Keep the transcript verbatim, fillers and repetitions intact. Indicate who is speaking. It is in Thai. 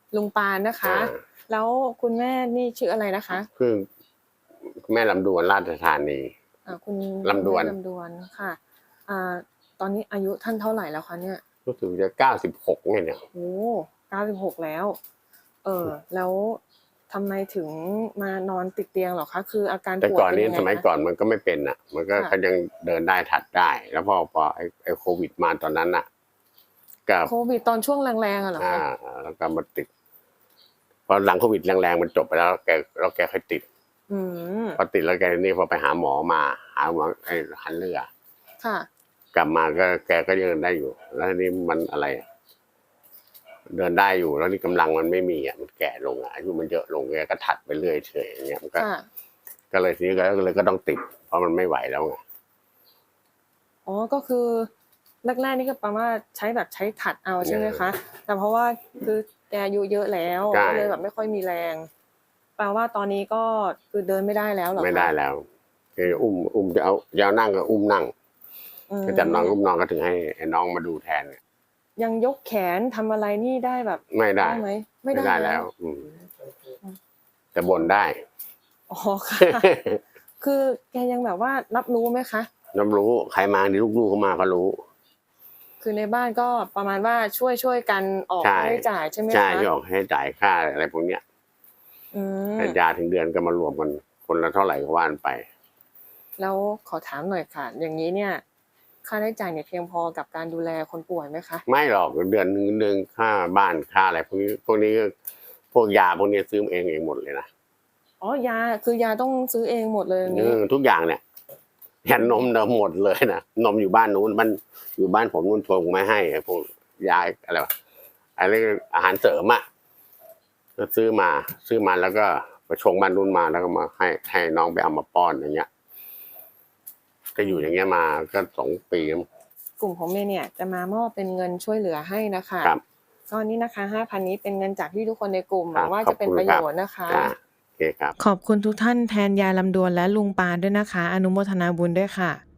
Speaker 1: ลุงปานนะคะแล้วคุณแม่นี่ชื่ออะไรนะคะ
Speaker 2: คือแม่ลำดวนราชธานี
Speaker 1: อ่าคุณ
Speaker 2: ลำดวน
Speaker 1: ลำดวนค่ะอ่าตอนนี้อายุท่านเท่าไหร่แล้วคะเนี่ย
Speaker 2: รู้สึกจะเก้าสิบหกเนี่ย
Speaker 1: โอ้เก้าสิบหกแล้วเออแล้วทำไมถึงมานอนติดเตียงหรอคะคืออาการ
Speaker 2: แต่
Speaker 1: ป่วย
Speaker 2: ก่อนนี้
Speaker 1: เป็นยังไง
Speaker 2: สมัยก่อนมันก็ไม่เป็นอ่ะมันก็เขายังเดินได้ถัดได้ แล้วพอพอไอ้ไอ้โควิดมาตอนนั้นอ่ะกับ
Speaker 1: โควิดตอนช่วงแรงๆอะเหรอ
Speaker 2: อ่า
Speaker 1: คะ
Speaker 2: แล้วก็มาติดพอหลังโควิดแรงๆมันจบไปแล้วแกแล้วแกค่อยติด
Speaker 1: อืม
Speaker 2: พอติดแล้วแกนี่พอไปหาหมอมาหาหมอไอ้หันเรือ
Speaker 1: ค่ะ
Speaker 2: กลับมาก็แกก็ยังเดินได้อยู่ แล้วทีนี้มันอะไรเดินได้อยู่แล้วนี่กำลังมันไม่มีอ่ะมันแก่ลงอ่ะอายุมันเยอะลงแกก็ถัดไปเรื่อยเฉยอย่างเงี้ยมันก็ก็เลยทีนี้ก็เลยก็ต้องติดเพราะมันไม่ไหวแล้วไง
Speaker 1: อ๋อก็คือแรกๆนี่ก็ประมาณใช้แบบใช้ถัดเอาใช่ไหมคะแต่เพราะว่าคือแกอายุเยอะแล้วก็เลยแบบไม่ค่อยมีแรงแปลว่าตอนนี้ก็คือเดินไม่ได้แล้วเหรอคะ
Speaker 2: ไม่ได้แล้วคืออุ้มอุ้มจะเอาจะเอานั่งก็อุ้มนั่งก็จับน้องอุ้มน้องก็ถึงให้น้องมาดูแทนเนี่ย
Speaker 1: ยังยกแขนทำอะไรนี่ได้แบบ
Speaker 2: ไม่ได้
Speaker 1: ไหม
Speaker 2: ไม่ได้แล้วอืมแต่บ่นได้
Speaker 1: อ๋อค่ะคือแกยังแบบว่ารับรู้ไหมคะ
Speaker 2: รับรู้ใครมานี่ลูกๆเขามาเขารู้
Speaker 1: คือในบ้านก็ประมาณว่าช่วยช่วยกันออกค่าใช้จ่ายใช่ไหมคะ
Speaker 2: ใช่ที่ออกให้จ่ายค่าอะไรพวกเนี้ยยาถึงเดือนก็มารวมกันคนละเท่าไหร่ก็ว่านไป
Speaker 1: แล้วขอถามหน่อยค่ะอย่างนี้เนี่ยค่าใช้จ่ายเนี่ยเพียงพอกับการดูแลคนป่วยไหมคะ
Speaker 2: ไม่หรอกเดือนหนึ่งเดือนค่าบ้านค่าอะไรพวกนี้พวกนี้พวกยาพวกนี้ซื้อเองเองหมดเลยนะ
Speaker 1: อ๋อยาคือยาต้องซื้อเองหมดเลยอย่างนี้
Speaker 2: ทุกอย่างเนี่ยยันนมเดิมหมดเลยนะนมอยู่บ้านนู้นมันอยู่บ้านผมนู้นทงไม่ให้พวกยาอะไรวะอะไรอาหารเสริมอ่ะก็ซื้อมาซื้อมาแล้วก็ไปชงบ้านนู้นมาแล้วก็มาให้ให้น้องไปเอามาป้อนอย่างเงี้ยก็อยู่อย่างเงี้ยมาก็สองปี
Speaker 1: กลุ่มของเมย์เนี่ยจะมามอบเป็นเงินช่วยเหลือให้นะคะก็นี่นะคะห้าพันนี้เป็นเงินจากที่ทุกคนในกลุ่มหวังว่าจะเป็นประโยชน์นะคะ
Speaker 2: โอเคครับ
Speaker 1: ขอบคุณทุกท่านแทนยายลำดวนและลุงปานด้วยนะคะอนุโมทนาบุญด้วยค่ะ